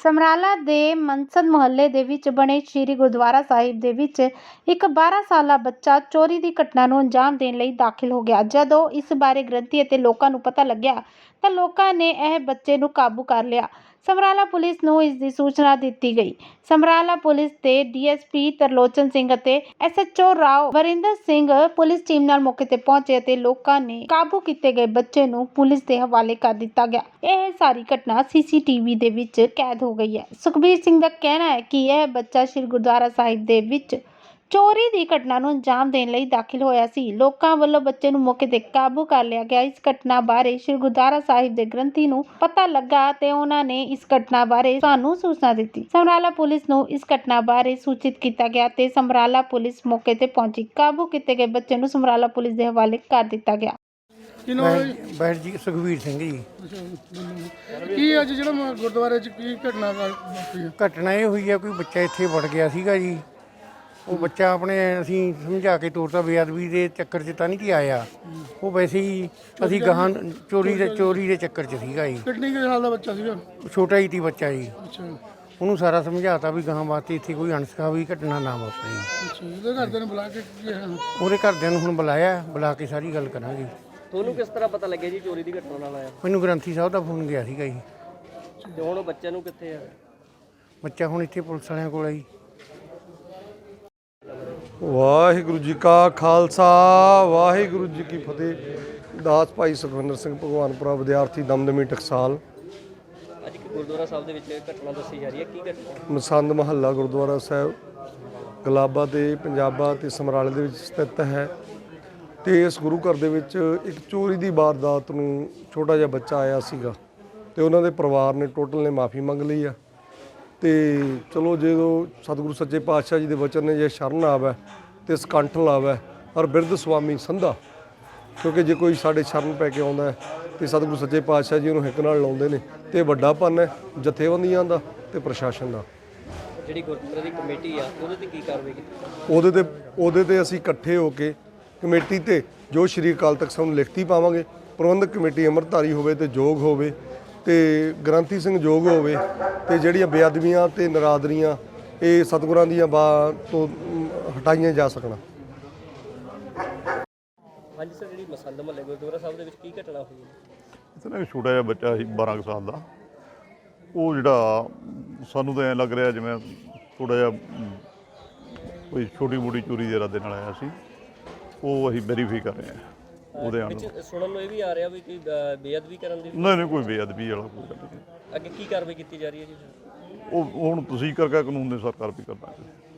ਸਮਰਾਲਾ ਦੇ ਮਨਸਦ ਮੁਹੱਲੇ ਦੇ ਵਿੱਚ ਬਣੇ ਸ਼੍ਰੀ ਗੁਰਦੁਆਰਾ ਸਾਹਿਬ ਦੇ ਵਿੱਚ ਇੱਕ 12 ਸਾਲਾ ਬੱਚਾ ਚੋਰੀ ਦੀ ਘਟਨਾ ਨੂੰ ਅੰਜਾਮ ਦੇਣ ਲਈ ਦਾਖਲ ਹੋ ਗਿਆ। ਜਦੋਂ ਇਸ ਬਾਰੇ ਗ੍ਰੰਥੀ ਅਤੇ ਲੋਕਾਂ ਨੂੰ ਪਤਾ ਲੱਗਿਆ ਤਾਂ ਲੋਕਾਂ ਨੇ ਇਹ ਬੱਚੇ ਨੂੰ ਕਾਬੂ ਕਰ ਲਿਆ। ਸਮਰਾਲਾ ਪੁਲਿਸ ਨੂੰ ਇਸ ਦੀ ਸੂਚਨਾ ਦਿੱਤੀ ਗਈ। ਸਮਰਾਲਾ ਪੁਲਿਸ ਦੇ ਡੀਐਸਪੀ ਤਰਲੋਚਨ ਸਿੰਘ ਅਤੇ SHO Rao Varinder Singh police team ਨਾਲ ਮੌਕੇ ਤੇ ਪਹੁੰਚੇ ਅਤੇ ਲੋਕਾਂ ਨੇ ਕਾਬੂ ਕੀਤੇ ਗਏ ਬੱਚੇ ਨੂੰ ਪੁਲਿਸ ਦੇ ਹਵਾਲੇ ਕਰ ਦਿੱਤਾ ਗਿਆ। ਇਹ ਸਾਰੀ ਘਟਨਾ ਸੀਸੀਟੀਵੀ ਦੇ ਵਿੱਚ ਕੈਦ ਹੋ ਗਈ ਹੈ। ਸੁਖਬੀਰ ਸਿੰਘ ਦਾ ਕਹਿਣਾ ਹੈ ਕਿ ਇਹ ਬੱਚਾ ਸ਼੍ਰੀ ਗੁਰਦੁਆਰਾ ਸਾਹਿਬ ਦੇ ਵਿੱਚ ਚੋਰੀ ਦੀ ਘਟਨਾ ਨੂੰ ਅੰਜਾਮ ਦੇਣ ਲਈ ਦਾਖਲ ਹੋਇਆ ਸੀ। ਲੋਕਾਂ ਵੱਲੋਂ ਬੱਚੇ ਨੂੰ ਮੌਕੇ ਤੇ ਕਾਬੂ ਕਰ ਲਿਆ ਗਿਆ। ਇਸ ਘਟਨਾ ਬਾਰੇ ਸ਼੍ਰੀ ਗੁਰਦੁਆਰਾ ਸਾਹਿਬ ਦੇ ਗ੍ਰੰਥੀ ਨੂੰ ਪਤਾ ਲੱਗਾ ਤੇ ਉਹਨਾਂ ਨੇ ਇਸ ਘਟਨਾ ਬਾਰੇ ਸਾਨੂੰ ਸੂਚਨਾ ਦਿੱਤੀ। ਸਮਰਾਲਾ ਪੁਲਿਸ ਨੂੰ ਇਸ ਘਟਨਾ ਬਾਰੇ ਸੂਚਿਤ ਕੀਤਾ ਗਿਆ ਤੇ ਸਮਰਾਲਾ ਪੁਲਿਸ ਮੌਕੇ ਤੇ ਪਹੁੰਚੀ। ਕਾਬੂ ਕੀਤੇ ਗਏ ਬੱਚੇ ਨੂੰ ਸਮਰਾਲਾ ਪੁਲਿਸ ਦੇ ਹਵਾਲੇ ਕਰ ਦਿੱਤਾ ਗਿਆ। ਬੈਠ ਜੀ ਸੁਖਬੀਰ ਸਿੰਘ ਜੀ। ਕੀ ਅੱਜ ਜਿਹੜਾ ਗੁਰਦੁਆਰੇ 'ਚ ਕੀ ਘਟਨਾ ਵਾਪਰੀ ਹੈ? ਘਟਨਾ ਇਹ ਹੋਈ ਹੈ, ਕੋਈ ਬੱਚਾ ਇੱਥੇ ਵੜ ਗਿਆ ਸੀਗਾ ਜੀ। ਉਹ ਬੱਚਾ ਆਪਣੇ ਅਸੀਂ ਸਮਝਾ ਕੇ ਤੋਰਤਾ, ਬੇਅਦਬੀ ਦੇ ਚੱਕਰ 'ਚ ਤਾਂ ਨਹੀਂ ਕਿ ਆਇਆ। ਉਹ ਵੈਸੇ ਹੀ ਅਸੀਂ ਗਾਹਾਂ ਚੋਰੀ ਦੇ ਚੱਕਰ 'ਚ ਸੀਗਾ ਜੀ। ਕਿੰਨੀ ਕੁ ਸਾਲ ਦਾ ਬੱਚਾ ਸੀਗਾ? ਛੋਟਾ ਹੀ ਸੀ ਬੱਚਾ ਜੀ। ਅੱਛਾ ਉਹਨੂੰ ਸਾਰਾ ਸਮਝਾਤਾ ਵੀ ਗਾਹਾਂ ਵਾਸਤੇ ਇੱਥੇ ਕੋਈ ਅਣਸਖਾਵੀ ਘਟਨਾ ਨਾ ਵਾਪਰੇ। ਅੱਛਾ, ਇਹਦੇ ਘਰਦਿਆਂ ਨੂੰ ਬੁਲਾ ਕੇ ਕੀ ਹੈ? ਉਹਦੇ ਘਰਦਿਆਂ ਨੂੰ ਹੁਣ ਬੁਲਾ ਕੇ ਸਾਰੀ ਗੱਲ ਕਰਾਂਗੇ। ਤੁਹਾਨੂੰ ਕਿਸ ਤਰ੍ਹਾਂ ਪਤਾ ਲੱਗਿਆ ਜੀ ਚੋਰੀ ਦੀ ਘਟਨਾ ਨਾਲ ਆਇਆ? ਮੈਨੂੰ ਗ੍ਰੰਥੀ ਸਾਹਿਬ ਦਾ ਫੋਨ ਗਿਆ ਸੀਗਾ ਜੀ। ਤੇ ਹੁਣ ਬੱਚੇ ਨੂੰ ਕਿੱਥੇ ਆ? ਬੱਚਾ ਹੁਣ ਇੱਥੇ ਪੁਲਿਸ ਵਾਲਿਆਂ ਕੋਲ ਹੈ ਜੀ। ਵਾਹਿਗੁਰੂ ਜੀ ਕਾ ਖਾਲਸਾ ਵਾਹਿਗੁਰੂ ਜੀ ਕੀ ਫਤਿਹ। ਦਾਸ ਭਾਈ ਸੁਖਵਿੰਦਰ ਸਿੰਘ ਭਗਵਾਨਪੁਰਾ ਵਿਦਿਆਰਥੀ ਦਮਦਮੀ ਟਕਸਾਲ। ਅੱਜ ਇੱਕ ਗੁਰਦੁਆਰਾ ਸਾਹਿਬ ਦੇ ਵਿੱਚ ਘਟਨਾ ਦੱਸੀ ਜਾ ਰਹੀ ਹੈ, ਕੀ ਘਟਨਾ? ਮਸੰਦ ਮਹੱਲਾ ਗੁਰਦੁਆਰਾ ਸਾਹਿਬ ਗਲਾਬਾ ਤੇ ਪੰਜਾਬਾ ਤੇ ਸਮਰਾਲੇ ਦੇ ਵਿੱਚ ਸਥਿਤ ਹੈ। ਤੇ ਇਸ ਗੁਰੂ ਘਰ ਦੇ ਵਿੱਚ ਇੱਕ ਚੋਰੀ ਦੀ ਵਾਰਦਾਤ ਨੂੰ ਛੋਟਾ ਜਿਹਾ ਬੱਚਾ ਆਇਆ ਸੀਗਾ ਤੇ ਉਹਨਾਂ ਦੇ ਪਰਿਵਾਰ ਨੇ ਟੋਟਲ ਨੇ ਮਾਫੀ ਮੰਗ ਲਈ ਆ। ਤੇ ਚਲੋ ਜਦੋਂ ਸਤਿਗੁਰੂ ਸੱਚੇ ਪਾਤਸ਼ਾਹ ਜੀ ਦੇ ਵਚਨ ਨੇ ਜੇ ਸ਼ਰਨ ਆਵੇ ਤੇ ਸਕੰਠ ਲਾਵੇ ਔਰ ਬਿਰਧ ਸੁਆਮੀ ਸੰਧਾ, ਕਿਉਂਕਿ ਜੇ ਕੋਈ ਸਾਡੇ ਸ਼ਰਨ ਪੈ ਕੇ ਆਉਂਦਾ ਤੇ ਸਤਿਗੁਰੂ ਸੱਚੇ ਪਾਤਸ਼ਾਹ ਜੀ ਉਹਨੂੰ ਹਿੱਕ ਨਾਲ ਲਾਉਂਦੇ ਨੇ ਤੇ ਵੱਡਾ ਪੰਨ ਹੈ ਜਥੇਬੰਦੀਆਂ ਦਾ ਤੇ ਪ੍ਰਸ਼ਾਸਨ ਦਾ। ਜਿਹੜੀ ਗੁਰਦੁਆਰੇ ਦੀ ਕਮੇਟੀ ਆ ਉਹਦੇ ਤੇ ਕੀ ਕਾਰਵਾਈ ਕੀਤੀ? ਉਹਦੇ ਤੇ ਅਸੀਂ ਇਕੱਠੇ ਹੋ ਕੇ ਕਮੇਟੀ ਤੇ ਜੋ ਸ਼੍ਰੀ ਅਕਾਲ ਤਖਤ ਸਾਹਿਬ ਨੂੰ ਲਿਖਤੀ ਪਾਵਾਂਗੇ। ਪ੍ਰਬੰਧਕ ਕਮੇਟੀ ਅੰਮ੍ਰਿਤਧਾਰੀ ਹੋਵੇ ਤੇ ਯੋਗ ਹੋਵੇ ਤੇ ਗ੍ਰੰਥੀ ਸਿੰਘ ਯੋਗ ਹੋਵੇ ਤੇ ਜਿਹੜੀਆਂ ਬੇਅਦਬੀਆਂ ਤੇ ਨਰਾਦਰੀਆਂ ਇਹ ਸਤਿਗੁਰਾਂ ਦੀਆਂ ਤੋਂ ਹਟਾਈਆਂ ਜਾ ਸਕਣ। ਹਾਂਜੀ ਸਰ, ਜਿਹੜੀ ਮਸੰਦ ਮਹੱਲੇ ਗੁਰਦੁਆਰਾ ਸਾਹਿਬ ਦੇ ਵਿੱਚ ਕੀ ਘਟਨਾ ਹੋਈ ਹੈ? ਇੱਥੇ ਨਾ ਛੋਟਾ ਜਿਹਾ ਬੱਚਾ ਸੀ 12 ਕੁ ਸਾਲ ਦਾ। ਉਹ ਜਿਹੜਾ ਸਾਨੂੰ ਤਾਂ ਐਂ ਲੱਗ ਰਿਹਾ ਜਿਵੇਂ ਥੋੜ੍ਹਾ ਜਿਹਾ ਕੋਈ ਛੋਟੀ ਮੋਟੀ ਚੋਰੀ ਦੇ ਇਰਾਦੇ ਨਾਲ ਆਇਆ ਸੀ। ਉਹ ਅਸੀਂ ਵੈਰੀਫਾਈ ਕਰ ਰਹੇ ਹਾਂ ਉਹਦੇ ਆਉਣ ਨੂੰ। ਸੁਣਨ ਨੂੰ ਇਹ ਵੀ ਆ ਰਿਹਾ ਵੀ ਕੋਈ ਬੇਅਦਬੀ ਕਰਨ ਦੀ? ਨਹੀਂ ਕੋਈ ਬੇਅਦਬੀ ਵਾਲਾ ਕੋਈ ਗੱਲ ਨਹੀਂ। ਅੱਗੇ ਕੀ ਕਾਰਵਾਈ ਕੀਤੀ ਜਾ ਰਹੀ ਹੈ ਜੀ? ਉਹ ਹੁਣ ਤੁਸੀਂ ਕਰਕੇ ਕਾਨੂੰਨ ਦੇ ਸਰਕਾਰ ਵੀ ਕਰਨਾ।